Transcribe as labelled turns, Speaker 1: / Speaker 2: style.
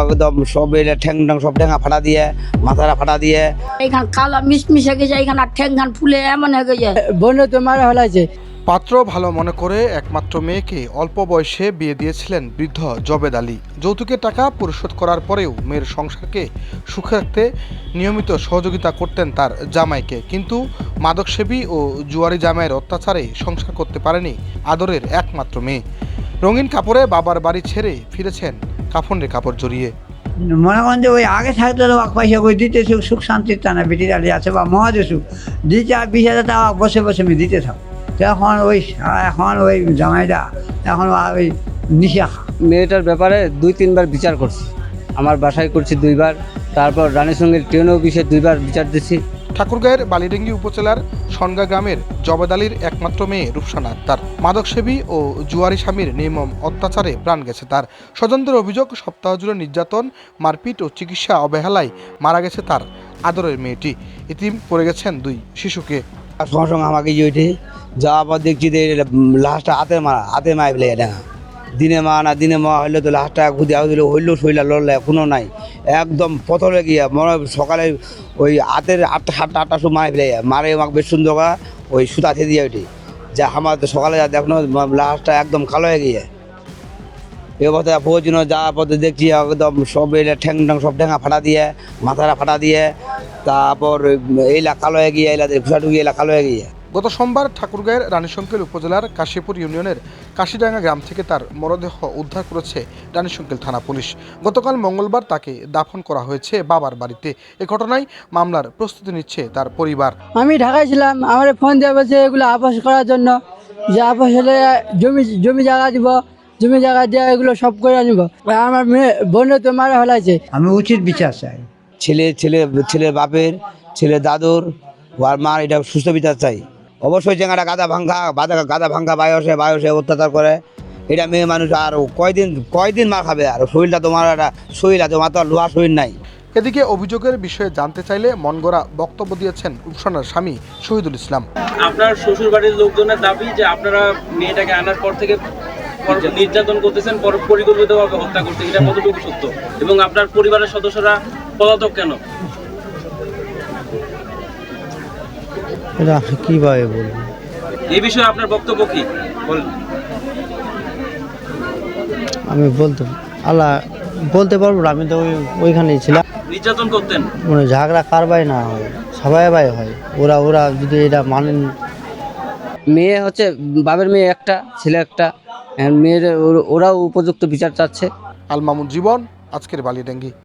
Speaker 1: একদম সব ঠ্যাং ঠ্যাং সব ঠ্যাঙা ফাটা দিয়ে মাথাটা ফাটা দিয়ে
Speaker 2: এইখান কালা মিশমিশ হয়ে গেছে, এইখান আর ঠ্যাং ঘান ফুলে এমন হয়ে গেছে।
Speaker 3: বোন তোমার হলাইছে।
Speaker 4: পাত্র ভালো মনে করে একমাত্র মেয়েকে অল্প বয়সে বিয়ে দিয়েছিলেন বৃদ্ধ জবেদ আলী। যৌতুকের টাকা পরিশোধ করার পরেও মেয়ের সংসারকে সুখে রাখতে নিয়মিত সহযোগিতা করতেন তার জামাইকে, কিন্তু মাদকসেবী ও জুয়ারি জামাইয়ের অত্যাচারে সংসার করতে পারেনি আদরের একমাত্র মেয়ে। রঙিন কাপড়ে বাবার বাড়ি ছেড়ে ফিরেছেন কাফনের কাপড় জড়িয়ে।
Speaker 5: মনে করেন যে ওই আগে থাকতে তো পয়সা করে দিতে সুখ শান্তির টা না বেটি দাঁড়ি আছে বা মহাদেশ দিতে 20,000 টাকা বসে বসে আমি দিতে থাক। এখন ওই জামাইটা এখন ওই নিশা খা।
Speaker 6: মেয়েটার ব্যাপারে 2-3 বার বিচার করছি, আমার বাসায় করছি 2 বার, তারপর রানীর সঙ্গে ট্রেন অফিসে 2 বার বিচার দিচ্ছি।
Speaker 4: ঠাকুরগাঁয়ের বালিডেঙ্গি উপজেলার সনগা গ্রামের জবেদ আলীর একমাত্র মেয়ে রূপসানা আক্তার। মাদকসেবী ও জুয়ারি স্বামীর নির্মম অত্যাচারে প্রাণ গেছে তার। স্বজনদের অভিযোগ, সপ্তাহ জুড়ে নির্যাতন, মারপিট ও চিকিৎসা অবহেলায় মারা গেছে তার আদরের মেয়েটি। ইতিম পড়ে গেছেন 2 শিশুকে।
Speaker 1: সঙ্গে সঙ্গে আমাকে ওইটি যাওয়ার পর দেখছি যে লাশটা হাতে মায় ফেলে এটা দিনে মা হইলে তো লাশটা খুঁজে হইলেও শরীরা লড়লে এখনও নাই, একদম পথরে গিয়ে মনে সকালে ওই হাতের 8টার সময় মারে ফেলে মারে আমাকে বেশ সুন্দর ওই সুতা খেয়ে দিয়ে ওইটি যা আমার তো সকালে যা দেখো লাশটা একদম কালো হয়ে গিয়ে এ পথে প্রয়োজন যাওয়ার পথে দেখছি একদম সব ঠ্যাং ঠ্যাং সব ঠ্যাঙা ফাটা দিয়ে মাথাটা ফাটা দিয়ে তারপর এইলা কালো হয়ে গিয়ে এলা ঘুষা ঢুকিয়ে এলা কালো হয়ে গিয়ে।
Speaker 4: গত সোমবার ঠাকুরগাঁয়ের রানীশঙ্কেল উপজেলার কাশীপুর ইউনিয়নের কাশিডাঙ্গা গ্রাম থেকে তার মরদেহ উদ্ধার করেছে রানীশঙ্কেল থানা পুলিশ। গতকাল মঙ্গলবার তাকে দাফন করা হয়েছে বাবার বাড়িতে। এ ঘটনায় মামলার প্রস্তুতি নিচ্ছে তার পরিবার।
Speaker 3: আমি ঢাকায় ছিলাম, আমার ফোন দিয়ে বলছে এগুলো আপোষ করার জন্য, যে আপোষ হলে জমি জায়গা দিব, জমি জায়গা দিয়ে এগুলো সব করে আনব। আমার মেয়ে বোন তোমার হলাইছে।
Speaker 5: আমি উচিত বিচার চাই।
Speaker 1: ছেলে বাপের, ছেলে দাদুর আর মার এটা সুস্থ বিচার চাই। অবশ্যই চেঙ্গাটা গাদা ভাঙ্গা বায়সে অত্যাচার করে, এটা মেয়ে মানুষ আর কয়দিন মার খাবে, আর শরীরটা তোমার একটা শরীর আছে, তোমার তো আর লোহার শরীর নাই।
Speaker 4: এদিকে অভিযোগের বিষয়ে জানতে চাইলে মনগড়া বক্তব্য দিয়েছেন রূপসানার স্বামী শহীদুল ইসলাম।
Speaker 7: আপনার শ্বশুর বাড়ির লোকজনের দাবি যে আপনারা মেয়েটাকে আনার পর থেকে নির্যাতন করতেছেন, পরিকল্পিতভাবে হত্যা করতেছেন, এটা কতটুকু সত্য? এবং আপনার পরিবারের সদস্যরা পলাতক কেন?
Speaker 8: এটা কিভাবে বলবো?
Speaker 7: এই বিষয়ে আপনার বক্তব্য কি বলেন?
Speaker 8: আমি বলতে পারবো না, আমি তো ওইখানেই ছিলাম।
Speaker 7: নির্যাতন করতেন?
Speaker 8: মানে ঝগড়া কারবাই না হয়, সবাই হয়। ওরা যদি এটা মানেন।
Speaker 6: মেয়ে হচ্ছে বাবার মেয়ে একটা, ছেলে একটা, মেয়ের ওরাও উপযুক্ত বিচার চাচ্ছে।
Speaker 4: আল মামুন জীবন, আজকের বালিডাঙ্গি।